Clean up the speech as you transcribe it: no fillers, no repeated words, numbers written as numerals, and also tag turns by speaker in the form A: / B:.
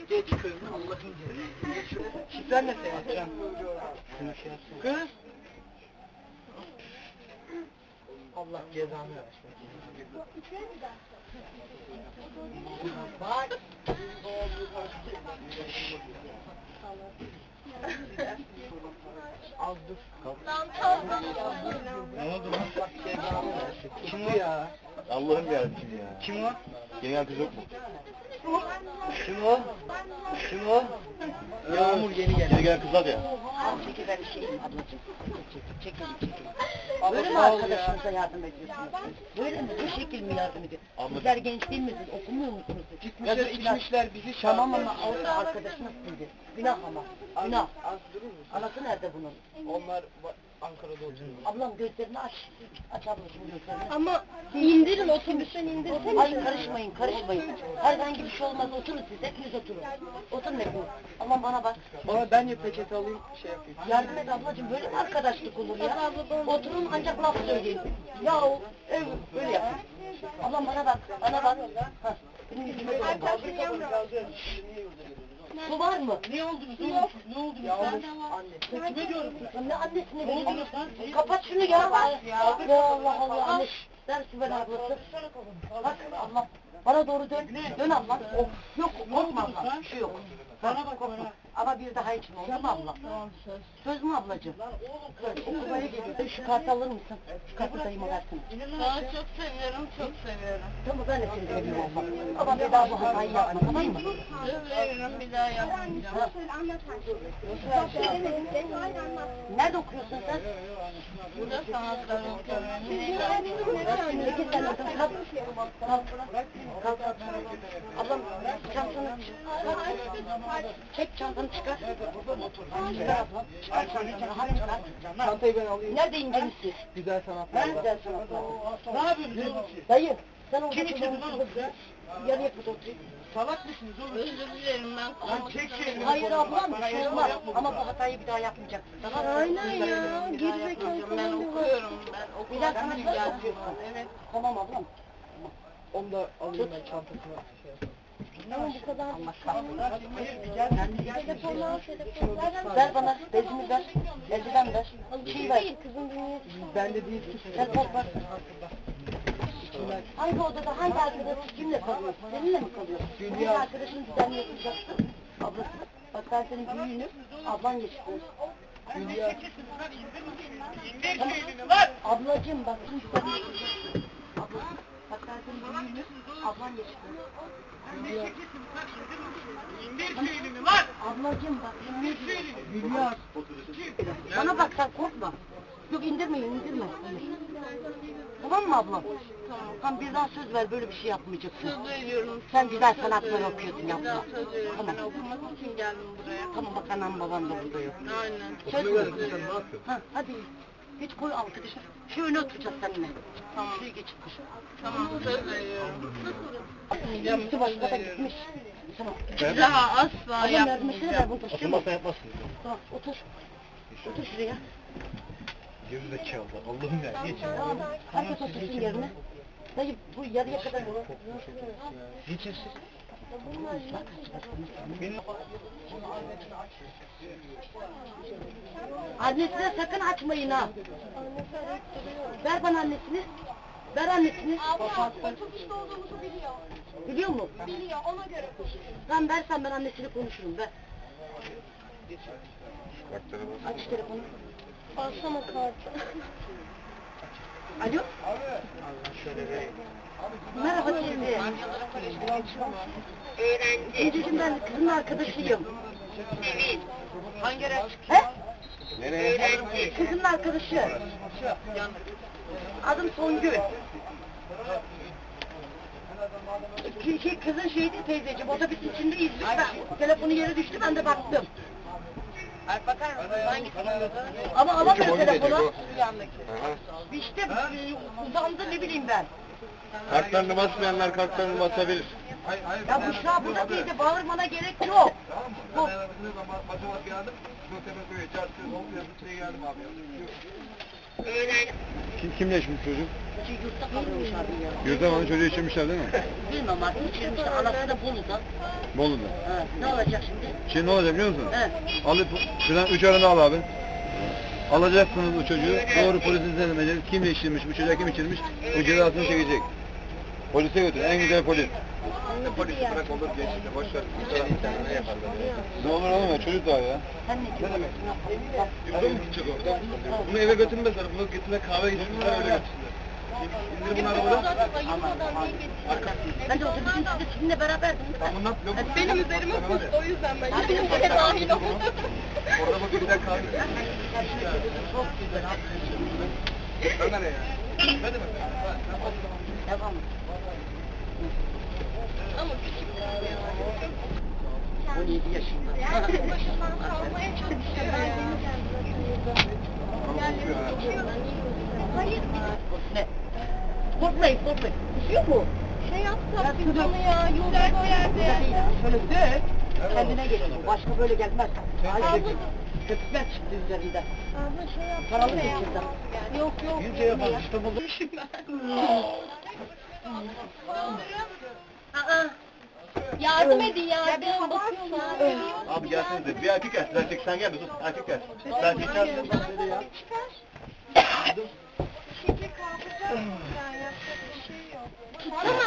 A: Geç kız Allah'ın cezası. Şifren ne senin Can? Şunu şey yapsana. Kız. Allah cezanı versin. Bak. Az dur. Ne oldu lan? Allah cezanı versin. Kim o ya?
B: Allah'ım yarabbim ya.
A: Kim o?
B: Genel kız yok mu?
A: Kim o? Kim o? Yağmur yeni geldi.
B: Yeni gelen kızlar ya.
C: Çekil ben şeyim ablacığım. Çekil.
A: Abla,
C: Böyle mi
A: sağ ol ya.
C: arkadaşınıza yardım ediyorsunuz? Böyle mi? Bu şekil mi yardım ediyor?
B: Abla-
C: Sizler genç değil misiniz? Okumuyor musunuz?
A: Gitmişler
C: Yazık günah.
A: içmişler bizi
C: Tamam
A: çağırdılar.
C: ama orada arkadaşınız sizdi. Günah ama. Günah.
A: Az durur musun?
C: Anası nerede bunun?
A: Onlar Ankara'da oturuyor.
C: Ablam gözlerini aç. Aç ablacığım gözlerini.
D: Ama indirin otobüsten indirin.
C: Hayır karışmayın. Herhangi bir şey olmaz. Oturun siz. Hepiniz oturun. Oturun hepiniz. Aman bana bak.
A: Bana ben ya peçete alayım şey yapayım.
C: Yardım et ablacığım. Böyle mi arkadaşlık olur ya? Oturun ancak laf söyleyin. Ya o ev böyle yapın. Ablam bana bak. Hah. Benim yüzüme doğru bak. Su var mı?
A: Ne oldunuz? Ne oldunuz? Ya anne.
C: Kime diyorum? Ne annesine vereyim? Kapat şunu ya. Ya Allah Allah. Anne. Ver su ver ablası. Bak Allah. Bana doğru dön. Dön abla. Yok korkma abla. Bir şey yok. Bana bak korkma. Ama bir daha için oldu mu abla?
D: Tamam söz.
C: Söz mü ablacığım? Söz. Okumaya geliyor. Şu kartı alır mısın? Şu kartı dayıma versin.
D: Daha çok seviyorum, çok seviyorum.
C: Tamam ben de seni seviyorum abla. Ama bir daha bu hatayı yapma tamam mı?
D: Söz veriyorum, bir daha yapmayacağım.
C: Nerede okuyorsun sen?
D: Burada sanatlar okuyorum.
C: Peki sen orada kalk. Kalk. Ablam çantanı çıkar. Çek çantanı çıkar. Çıkar ablam. Çıkar çantanı. Rahat çıkar.
A: Çantayı ben alayım.
C: Nerede inceniz?
A: Güzel sanatlar
C: Ben
A: var.
C: güzel sanatlar.
A: Ne yapıyorsunuz?
C: Dayı sen orada
A: Kim içirdi lan o kızı?
C: yarı yapıp otur.
A: Salak mısınız oğlum?
D: Özür dilerim ben.
A: Lan çek şeyini.
C: Hayır ablam bir şey olmaz. Ama bu hatayı bir daha yapmayacaksın. Tamam mı?
D: Aynen ya, gerizekalı ben okuyorum. Ben
C: Bir
D: okula
C: dakika nasıl yapıyorsun?
D: Evet.
C: Tamam ablam.
A: Onu da alayım ben çantasına. Şey yapayım.
D: Ama bu kadar.
C: Allah kahretsin.
A: Hayır bir gel.
D: Telefonlar.
C: Ver bana, bezimi ver, eldiven ver, şey ver.
D: Kızım dinliyor.
A: Bende değil.
C: Telefon ver. Hangi odada, hangi arkadaş kimle kalıyor? Seninle mi kalıyor? Senin arkadaşın düzenli yapacaksın. Ablası. Bak ben senin büyüğünüm, ablan yetiştir.
A: Hülya.
C: Ablacığım bak şimdi düzenli yapacaksın. Ablası. Bak ben senin büyüğünüm, ablan yetiştir. Ablacığım bak şimdi
A: Hülya.
C: bana bak sen korkma. Yok indirme. Tamam mı ablam? Tamam bir daha söz ver böyle bir şey yapmayacaksın.
D: Söz veriyorum.
C: Sen güzel sanatlar okuyorsun
D: Bir
C: yapma.
D: daha söz veriyorum.
C: Tamam.
D: Ben okumak için geldim buraya.
C: Tamam bak anam babam da burada yok.
D: Aynen.
C: Söz ver. Ha hadi. Geç koy arkadaşlar. Şu öne oturacağız seninle.
D: Tamam.
C: Şuraya geç.
D: Tamam söz veriyorum.
C: Üstü başına da gitmiş. Tamam.
D: Bir daha asla
C: Ablam vermesene ver
D: yapmayacağım.
C: bunu taşıyor mu?
B: Oturmasa yapmazsın.
C: Tamam otur. Otur şuraya.
B: Gerizekalı. Allah'ım ya. Geç.
C: Tamam. Herkes otursun yerine. Dayı bu yarıya kadar.
A: Geçin siz.
C: Annesine sakın açmayın ha. Ver bana annesini. Ver annesini.
D: Abla otobüste olduğumuzu biliyor.
C: Biliyor mu?
D: Biliyor ona göre koşuyor.
C: Sen versen ben annesini konuşurum. Ver. Aç telefonu.
D: Alsana kartı.
C: Alo. Merhaba teyze. Teyzeciğim ben kızın arkadaşıyım.
D: Hangi araç?
C: He?
B: Nereye?
C: Kızın arkadaşı. Adım Songül. Kızın şeydi teyzeciğim, otobüs içindeyiz biz. Ben, telefonu yere düştü, ben de baktım.
D: Ay bakar mısın? Hangi
C: Ama alamıyor telefonu.
D: yandaki?
C: İşte uzandı ne bileyim ben.
B: Kartlarını basmayanlar kartlarını basabilir.
C: Ya Büşra burada teyze, bağırmana gerek yok. Bu.
B: Kimle içmiş çocuk?
C: Yurtta kalıyormuş abi ya.
B: Yurda bana çocuğu içirmişler değil mi?
C: Bilmem artık içirmişler. Anası da Bolu'da.
B: Bolu'da.
C: Ha, ne olacak şimdi?
B: Şimdi ne olacak biliyor musun?
C: He.
B: Alıp şuradan 3 arını al abi. Alacaksınız bu çocuğu. Doğru polise teslim edeceğiz. Kim içirmiş, bu çocuğa kim içirmiş? Bu cezasını çekecek. Polise götür. En güzel polis. Polisi bırak olur geçti. Boş ver. Ne yaparlar? Ne olur oğlum ya çocuk daha ya.
C: Sen ne diyorsun?
B: Yurda mı gidecek orada? Bunu eve götürmezler. Bunu götürme kahve geçirmişler öyle götürsünler. İndir bunu arabadan.
C: Ben de otobüsün içinde sizinle beraberdim.
B: Ben bunu yapmıyorum.
D: Benim üzerime kustu o yüzden ben
C: Hadi
D: benim
C: bakalım.
D: dahil oldum.
B: Orada bak bir dakika kahve.
C: Çok güzel abi.
B: Ömer ya. Ne demek?
C: Devam.
D: Ama küçük.
C: 17 yaşında.
D: Başından salmaya çalışıyor. Hayır.
C: Ne? Korkmayın, korkmayın. Düşüyor mu?
D: Şey yapsak biz onu ya. Güzel bir yerde.
C: Şöyle dök. Kendine geliyor. Başka böyle gelmez. Ay,
D: Abla.
C: köpükler çıktı üzerinden.
D: Abla şey yapsak.
C: Paralı
D: ne
C: geçirdim.
D: yapsak? Yok yok.
B: Bir şey yapalım işte buldum.
C: Aa.
D: Yardım edin yardım. Bakıyorum.
B: Abi gelsene de bir erkek gelsin. Erkek sen gel de sus. Erkek gelsin. Erkek gelsin.
D: Şeker kalkacak. Yani yapacak bir şey yok.